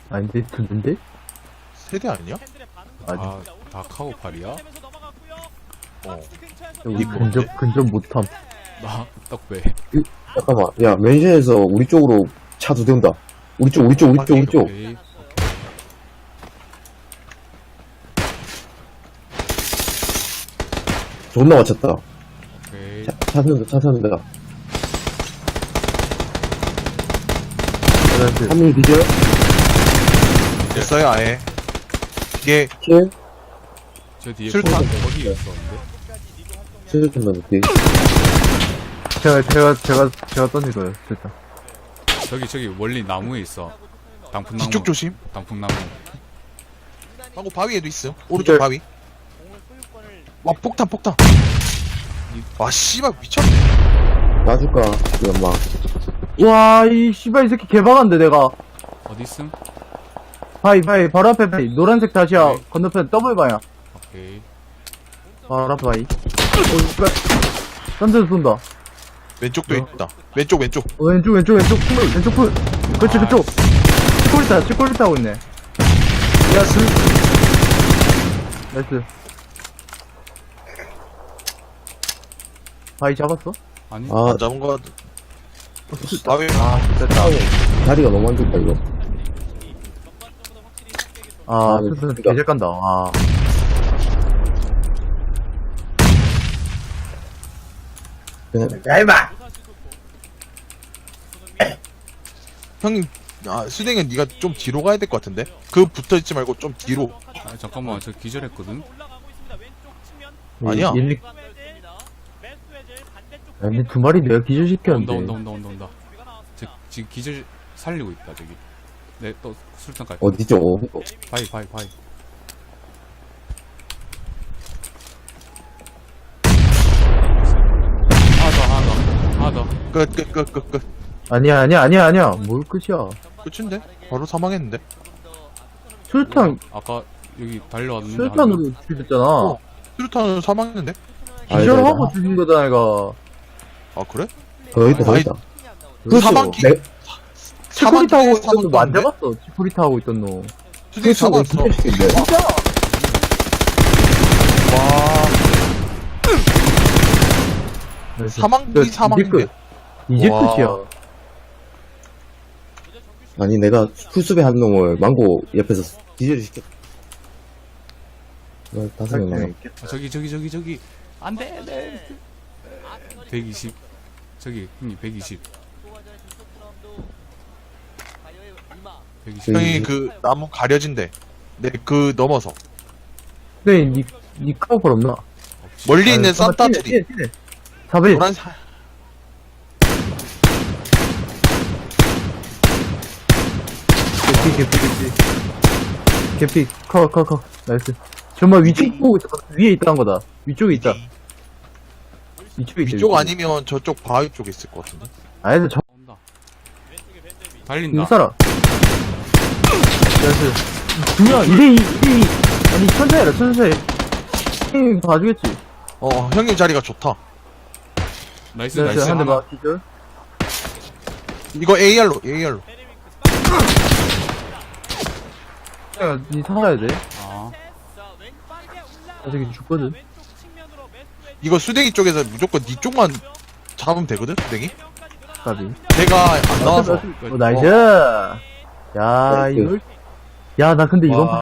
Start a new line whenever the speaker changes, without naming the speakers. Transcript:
아닌데, 두인데?
세대 아니야?
아니,
아, 다 카고팔이야?
어.
우리 근접 못함.
나 떡배.
잠깐만, 야, 맨션에서 우리 쪽으로 차 두 대 온다. 우리 쪽.
오케이.
존나 맞췄다.
오케이.
차 세운다. 한 명이 뒤져?
됐어요, 아예. 이게,
킬?
저 뒤에
술탄?
거기 있었는데.
실전 넣을게.
제가 던지고요. 됐다.
저기 멀리 나무에 있어. 단풍나무.
뒤쪽 조심.
단풍나무.
하고 바위에도 있음. 오른쪽 바위. 와, 폭탄. 와, 씨발, 미쳤네.
놔줄까? 이 엄마.
와, 이 씨발, 이 새끼 개박한데, 내가.
어디 있음?
바위, 바로 앞에 바위. 노란색 다시야.
네.
건너편 더블 바위야.
오케이.
바로 앞에 바위. 오, 씨발. 딴 데서 쏜다.
왼쪽도 있다. 왼쪽.
왼쪽 풀, 왼쪽 풀. 그렇지, 그쪽. 치콜리타 하고 있네.
야스.
나이스. 바위 잡았어?
아니?
아,
안 잡은 거 같아. 바위.
아, 됐다.
다리가 너무 안 좋다, 이거.
아,
네,
스스
그니까.
개잘 간다. 아.
그냥,
형님, 수댕은 네가 좀 뒤로 가야 될 것 같은데? 그 붙어있지 말고 좀 뒤로.
아, 잠깐만, 저 기절했거든?
아니야.
아니, 두 마리 내가 기절시켰는데.
온다. 지금 기절 살리고 있다, 저기. 네, 또 술탄까지.
어디죠?
바위. 하나 더.
끝.
아니야. 뭘 끝이야.
끝인데? 바로 사망했는데?
술탄,
아까 여기 달려왔는데.
술탄으로 죽였잖아.
수류탄은 사망했는데?
기절하고 죽인 거다, 얘가.
아, 그래?
더 있다.
그 사망기,
내,
치코리타 하고 있던
사망
놈 안 잡았어. 치코리타 하고 있던 놈.
수댕이 사망했어.
기절시킨데.
와, 사망기 사망인데?
이제
와.
끝이야.
아니, 내가 풀숲에 한 놈을 망고 옆에서 기절시켰다. 15명 남았
아, 저기. 안 돼, 네. 120. 저기, 형님, 120. 120.
형이 그 나무 가려진대. 네, 그 넘어서.
네, 니 카우팔 없나?
멀리 있는 산타들이.
4배.
노란
개피, 커. 나이스. 정말 위쪽 보고 있어. 위에 있다는 거다. 위쪽에 있다. 위쪽에 있다.
위쪽 아니면 저쪽 바위 쪽에 있을 것 같은데.
아니, 저,
온다. 달린다.
이거 살아. 나이스. 두명 2대2. 아니, 천천히. 형님 봐주겠지.
형님 자리가 좋다.
나이스.
한 대
하나.
봐, 기절.
이거 AR로.
야, 니 살아야 돼.
아,
아, 저기 죽거든.
이거 수댕이 쪽에서 무조건 니 쪽만 잡으면 되거든, 수댕이?
까비.
걔가 안 나와서.
나이스. 야,
나이스.
이걸. 야, 나 근데 이번
와.